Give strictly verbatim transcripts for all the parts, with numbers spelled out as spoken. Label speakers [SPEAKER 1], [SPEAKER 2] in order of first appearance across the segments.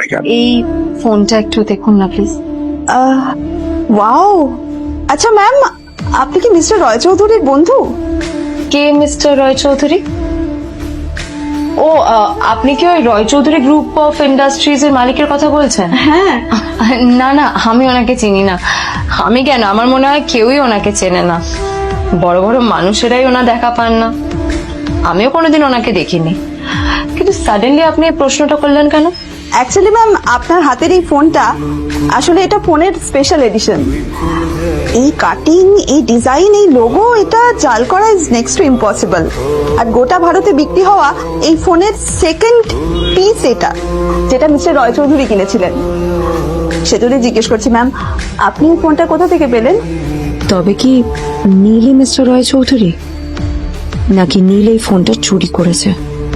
[SPEAKER 1] হয়ে গেল।
[SPEAKER 2] এই ফোনটা একটু দেখুন না প্লিজ।
[SPEAKER 3] ওয়াও, আচ্ছা ম্যাম, আপনি কি মিস্টার রয় চৌধুরীর বন্ধু?
[SPEAKER 2] কে মিস্টার রয় চৌধুরী? ও আহ, আপনি কি ওই Roy Chowdhury group of industries এর মালিকের কথা বলছেন?
[SPEAKER 3] হ্যাঁ।
[SPEAKER 2] না না, আমি ওনাকে চিনি না। আমি কেন, আমার মনে হয় কেউই ওনাকে চেনে না। বড় বড় মানুষেরাই ওনা দেখা পান না। আমিও কোনোদিন ওনাকে দেখিনি, কিন্তু সাডেনলি আপনি এই প্রশ্নটা করলেন কেন?
[SPEAKER 3] অ্যাকচুয়ালি ম্যাম, আপনার হাতের এই ফোনটা আসলে এটা ফোনের স্পেশাল এডিশন। এই কাটিং, এই ডিজাইন, এই লোগো, এটা জাল করা ইজ নেক্সট টু ইম্পসিবল। আর গোটা ভারতে বিক্রি হওয়া এই ফোনের সেকেন্ড পিস এটা, যেটা মিস্টার রয় চৌধুরী কিনেছিলেন। সেজন্যই জিজ্ঞেস করছি ম্যাম, আপনি এই ফোনটা কোথা থেকে পেলেন?
[SPEAKER 4] তবে কি নীলই মিস্টার রয় চৌধুরী, নাকি নীল এই ফোনটা চুরি করেছে?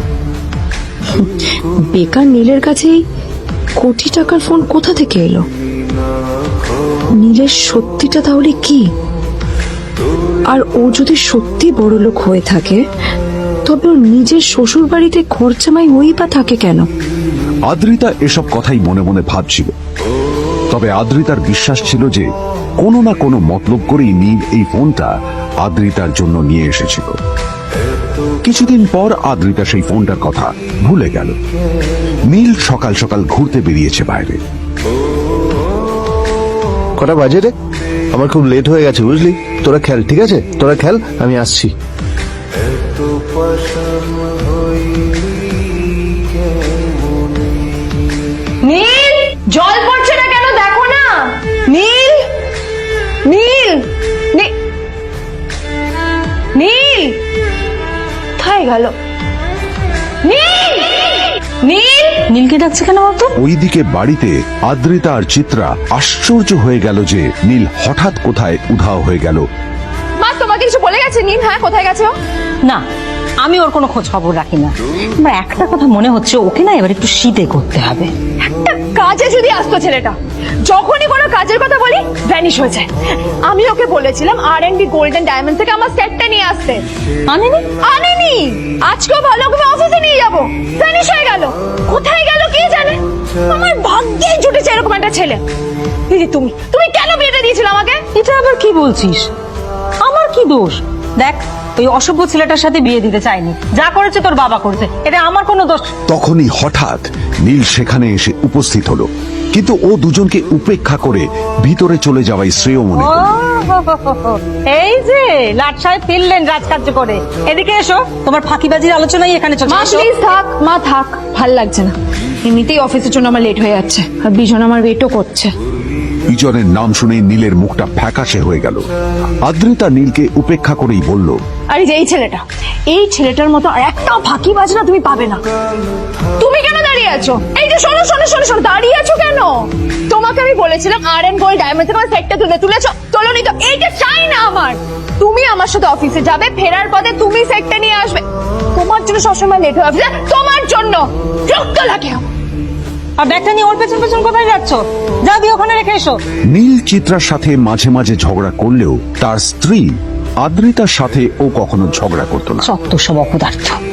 [SPEAKER 4] বেকার নীলের কাছেই কোটি টাকার ফোন কোথা থেকে এলো? নীলের সত্যিটা তাহলে কি? আর ও যদি সত্যি বড়লোক হয়ে থাকে, তবে ওর নিজের শ্বশুর বাড়িতে খরচামাই ওই বা থাকে কেন?
[SPEAKER 1] আদ্রিতা এসব কথাই মনে মনে ভাবছিল। তবে আদ্রিতার বিশ্বাস ছিল যে কোনো না কোনো মতলব করেই নীল এই ফোনটা আদ্রিতার জন্য নিয়ে এসেছিল। কিছুদিন পর আদ্রিতা সেই ফোনটার কথা ভুলে গেল। নীল সকাল সকাল ঘুরতে বেরিয়েছে বাইরে।
[SPEAKER 5] কটা বাজে রে? আমার খুব লেট হয়ে গেছে বুঝলি। তোরা খেল, ঠিক আছে? তোরা খেল, আমি আসছি।
[SPEAKER 2] নীল, জল পড়ছে না কেন দেখো না। নীল, নীল, নী- নীল কোথায় গেল? নীল, নীল, নীলকে ডাকছে কেন বলতো?
[SPEAKER 1] ওইদিকে বাড়িতে আদ্রিতা আর চিত্রা আশ্চর্য হয়ে গেল যে নীল হঠাৎ কোথায় উধাও হয়ে গেল।
[SPEAKER 2] মা তোমাকে কিছু বলে গেছে নীল? হ্যাঁ, কোথায় গেছে ও?
[SPEAKER 6] না, আমি ওর কোনো খোঁজ খবর রাখি না। আমার একটা কথা মনে হচ্ছে, ওকে না এবার একটু শীতে করতে হবে।
[SPEAKER 2] একটা কাজে যদি আসতো ছেলেটা, যখনই কোনো কাজের কথা বলি ভ্যানিশ হয়ে যায়। আমি ওকে বলেছিলাম R and B Golden Diamond থেকে আমার সেটটা নিয়ে আসতে, আনেনি আনেনি আজকেও ভালো করে অফিসে নিয়ে যাবো, ভ্যানিশ হয়ে গেল। কোথায় গেল কে জানে। আমার ভাগ্যেই জুটেছে এরকম একটা ছেলে। দিদি, তুমি তুমি কেন বিয়েটা দিয়েছিলে আমাকে?
[SPEAKER 6] এটা আবার কি বলছিস? আমার কি দোষ? দেখ, ওই অসভ্য ছেলেটার সাথে বিয়ে দিতে চাইনি। যা করেছে তোর বাবা করেছে, এটা আমার কোনো দোষ।
[SPEAKER 1] তখনই হঠাৎ নীল সেখানে এসে উপস্থিত হলো, কিন্তু ও দুজনকে উপেক্ষা করে ভিতরে চলে যাওয়াই শ্রেয় মনে করল।
[SPEAKER 6] এই যে লাট সাহেব ফিরলেন রাজকার্য করে। এদিকে এসো, তোমার ফাঁকিবাজির আলোচনাই এখানে চলছে।
[SPEAKER 2] মা প্লিজ থাক, মা থাক, ভাল লাগছে না। এমনিতেই অফিসের জন্য আমার লেট হয়ে যাচ্ছে, আর বিজন আমার ওয়েটও করছে।
[SPEAKER 1] বিজনের নাম শুনে নীলের মুখটা ফ্যাকাশে হয়ে গেল। আদ্রিতা নীলকে উপেক্ষা করেই বলল,
[SPEAKER 2] আরে যে এই ছেলেটা, এই ছেলেটার মতো আর একটা ফাঁকি বাজনা তুমি পাবে না। তুমি কেন দাঁড়িয়ে আছো? এই যে শোনো শোনো শোনো শোনো, দাঁড়িয়ে আছো কেন? তোমাকে আমি বলেছিলাম আর এন্ড গোল্ড ডায়মন্ড থেকে আমার সেটটা তুলে তুলেছো, তোলোনি তো। এইটা চাই না আমার। তুমি আমার সাথে অফিসে যাবে, ফেরার পথে তুমি সেটটা নিয়ে আসবে। তোমার জন্য সবসময় লেট হয়ে অফিসে, তোমার জন্য রক্ত লাগে।
[SPEAKER 6] আর ব্যাগটা নিয়ে ওর পেছন পেছন কোথায় যাচ্ছ? যা দিয়ে ওখানে রেখে এসো।
[SPEAKER 1] নীল চিত্রার সাথে মাঝে মাঝে ঝগড়া করলেও তার স্ত্রী আদ্রিতার সাথে ও কখনো ঝগড়া করতো না।
[SPEAKER 6] সত্য সব অপদার্থ।